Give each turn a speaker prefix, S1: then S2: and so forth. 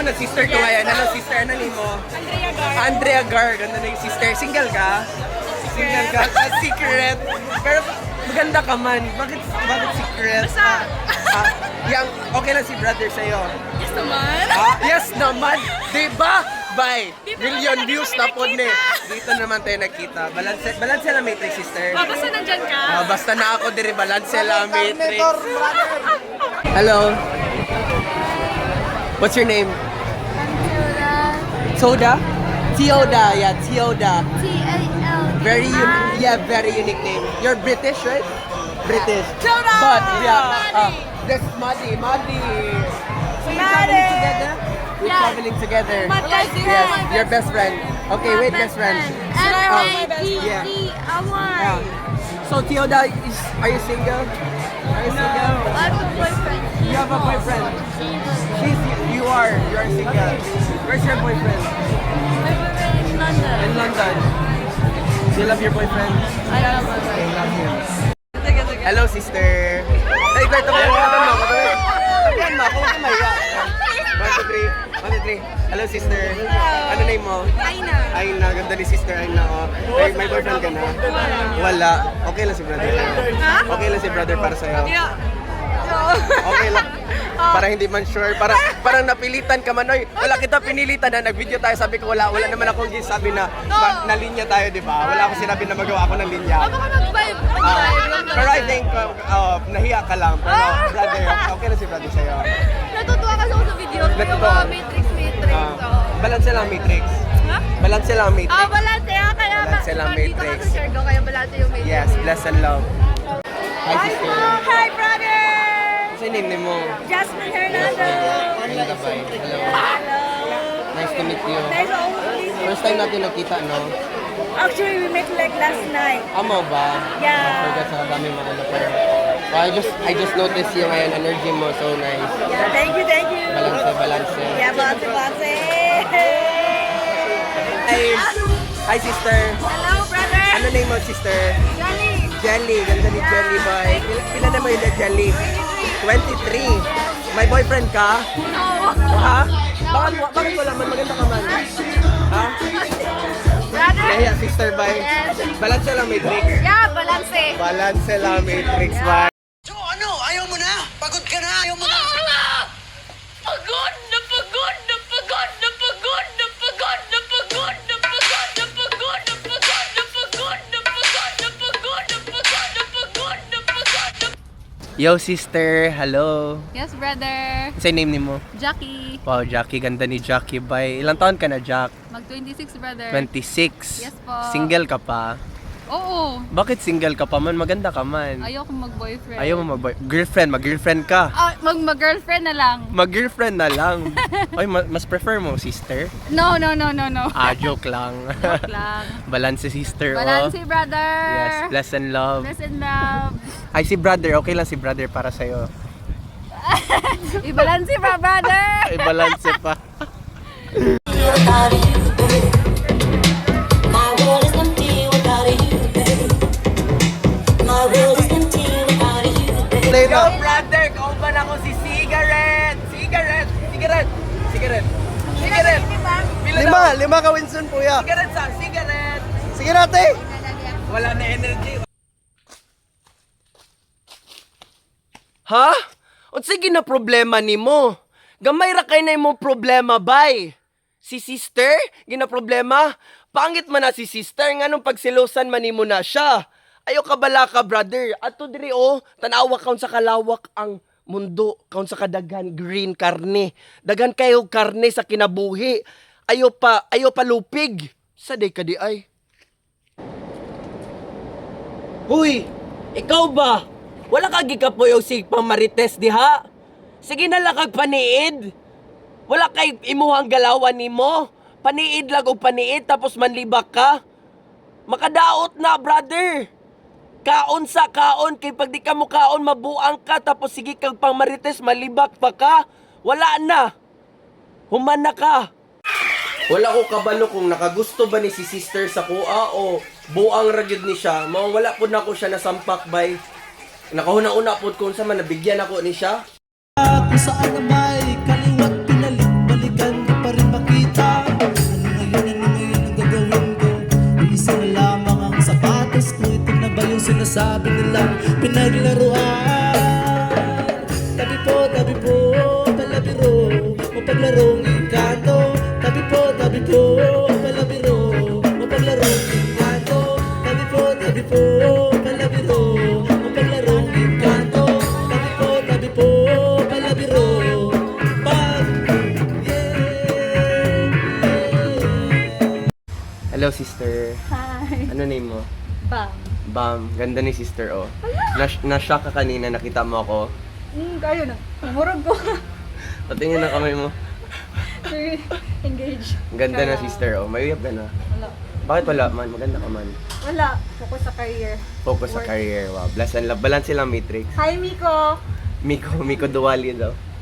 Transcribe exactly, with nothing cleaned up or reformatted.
S1: naman ang sister ko ngayon. Hello sister, ano name mo?
S2: Andrea Gar.
S1: Andrea Gar, ganda na yung sister. Single ka? Single ka? Ah, secret. Pero maganda ka man. Bakit, bakit secret?
S2: Basta.
S1: Ah, yang, okay lang si brother sa'yo.
S2: Yes naman.
S1: Ah, yes naman. Diba? Bye.
S2: Dito
S1: Million
S2: naman
S1: views
S2: kami
S1: na po ni.
S2: nakita.
S1: Dito naman tayo nakita. Balance, balance lang matrix sister.
S2: Oh, basta nandyan ka.
S1: Ah, basta na ako diri balance lang matrix. Hello. What's your name? Soda? Tioda, yeah, Tioda.
S3: T A L D.
S1: Very unique, yeah, very unique name. You're British, right? British.
S2: Tioda!
S1: But, yeah,
S2: Maddie.
S1: uh, that's Maddie, Maddie. So you're
S2: Maddie.
S1: traveling together? We're
S3: Yeah.
S1: traveling together.
S3: My best
S1: Yes,
S3: friend.
S1: your best friend. Okay,
S3: My
S1: wait, best friend.
S3: M
S2: I have my
S3: A
S2: best
S3: D
S1: friend?
S3: D I
S1: Yeah. So Tioda, is, are you single? Are you single?
S3: I have a boyfriend.
S1: You have a boyfriend. She's, you are, you are single. Where's your boyfriend?
S3: My boyfriend in London.
S1: In London. Do you love your boyfriend?
S3: I love my
S1: I love him. Hello, sister. Ay, kwento mo. Kwento mo. Kwento mo. Kung kumaya. One, two, three. One, two, three. Hello, sister. Ano name mo?
S2: Aina.
S1: Aina. Ganda ni sister Aina. Oh. Ay, may boyfriend ka na? Wala. Okay lang si brother.
S2: Ha?
S1: Okay lang si brother para sa'yo.
S2: Yeah.
S1: Okay lang. Para hindi man sure. Para, parang napilitan ka man. Oy, wala kita pinilitan na. Nag-video tayo. Sabi ko wala. Wala naman akong sabi na na, na linya tayo, di ba? Wala akong sinabi na magawa ako ng linya.
S3: Oh, baka mag-vibe.
S1: Ah, pero I think, uh, uh, nahiya ka lang. Pero brother, okay na si brother sa'yo.
S3: Natutuwa kasi ako sa video. Yung
S1: Natutuwa.
S3: mga matrix, matrix.
S1: Ah,
S3: Oo.
S1: balance lang matrix.
S2: Ha?
S1: Balance lang matrix.
S3: Ah, balance. Kaya kaya
S1: Balance lang,
S3: nandito ka
S1: matrix.
S3: sa share ko, kaya balance yung matrix.
S1: Yes, bless and love. Hi, sister.
S2: Hi, brother.
S1: What's your name mo?
S2: Jasmine Hernando.
S1: Hello. Hello.
S2: Hello.
S1: Nice to meet you.
S2: Nice to meet you.
S1: First time natin nakita, no?
S2: Actually, we met like last night.
S1: Amo ba?
S2: Yeah.
S1: I forgot sa dami mga ano pero. Well, I just I just noticed yung ngayon energy mo so nice.
S2: Yeah, thank you, thank you.
S1: Balance, balance.
S2: Yeah, balance, balance.
S1: Hi. Hi, sister.
S2: Hello, brother.
S1: Ano name mo, sister?
S2: Johnny.
S1: Jelly. Ganda ni Jelly, boy. Pila, pila na mo yung Jelly? twenty-three. May boyfriend ka?
S2: No.
S1: Ha? Bakit, bakit wala man? Maganda ka man. Ha?
S2: Brother.
S1: Kaya, sister, bye. Balance lang, matrix.
S2: Yeah, balance.
S1: Balance lang, matrix, bye.
S4: So ano, ayaw mo na? Pagod ka na, ayaw mo na?
S3: Pagod na pagod na pagod na pagod na pagod na pagod na pagod na pagod na pagod na pagod na pagod na pagod na pagod na pagod na pagod na.
S1: Yo, sister. Hello.
S3: Yes, brother.
S1: Say name ni mo.
S3: Jackie.
S1: Wow, Jackie. Ganda ni Jackie, bye. Ilang taon ka na, Jack?
S3: Mag twenty-six, brother.
S1: twenty-six.
S3: Yes po.
S1: Single ka pa?
S3: Oo.
S1: Bakit single ka pa man? Maganda ka man.
S3: Ayoko mag-boyfriend.
S1: Ayaw mo mag girlfriend, mag-girlfriend ka.
S3: Ah, mag mag-girlfriend na lang.
S1: Mag-girlfriend na lang. Oy, ma- mas prefer mo sister?
S3: No, no, no, no, no.
S1: Ah, joke lang.
S3: Joke lang.
S1: Balance sister,
S3: Balance,
S1: oh.
S3: brother.
S1: Yes, bless and love.
S3: Bless and love.
S1: Ay, si brother. Okay lang si brother para sa'yo.
S3: I-balance pa, brother.
S1: Ay, balance pa.
S5: Without you, babe. My world is empty without you, babe. My world is empty without you, babe.
S1: Yo, brother! Kauban ako si Cigarette! Cigarette! Cigarette! Cigarette! Cigarette! Pila
S4: Lima,
S1: daw?
S4: lima ka Winston, kuya.
S1: Cigarette sa cigarette!
S4: Sige natin.
S1: Wala na energy. Ha? O sige na problema ni mo. Gamay ra kay na mo problema, bay. Si sister, gina problema. Pangit man na si sister, nganong pagsilosan man nimo na siya. Ayo ka bala ka, brother. Ato diri oh, tanawa kaun sa kalawak ang mundo, kaun sa kadagan green karne. Dagan kayo karne sa kinabuhi. Ayo pa, ayo pa lupig. Sa day ka di ay. Huy, ikaw ba? Wala ka gikapoy o sig pamarites diha? Sige na lang kag paniid. Wala kay imuhang galawan nimo. Paniid lang og paniid tapos manlibak ka. Makadaot na, brother. Kaon sa kaon kay pag di ka mo kaon mabuang ka tapos sige kag pamarites malibak pa ka. Wala na. Human na ka. Wala ko kabalo kung nakagusto ba ni si sister sa kuha o buang ragyod ni siya. Mao wala pud nako siya nasampak bay. Nakahuna-una pud kung sa man nabigyan ako ni siya.
S6: Kung saan na may kaliwat pinalik-balikan sabi nilang pinaglaruan. Tabi po, tabi po, palabiro, mapaglarong engkanto. Tabi po, tabi po, palabiro, mapaglarong engkanto. Tabi po, tabi po, palabiro, mapaglarong engkanto. Tabi po, tabi po, palabiro, pag yeah.
S1: Hello, sister.
S2: Hi.
S1: Ano name mo?
S2: Bam.
S1: Bam. Ganda ni sister, oh. Nas- Na-shock ka kanina, nakita mo ako.
S2: Hmm, kayo na. Murag ko.
S1: Patingin na kamay mo.
S2: Engage.
S1: Ang ganda na sister, oh. May uyab ka na.
S2: Wala.
S1: Bakit wala man? Maganda ka man.
S2: Wala. Focus sa career.
S1: Focus sa
S2: Work.
S1: career, wow. Bless and love. Balance lang, Matrix.
S2: Hi, Miko.
S1: Miko, Miko Duwali daw.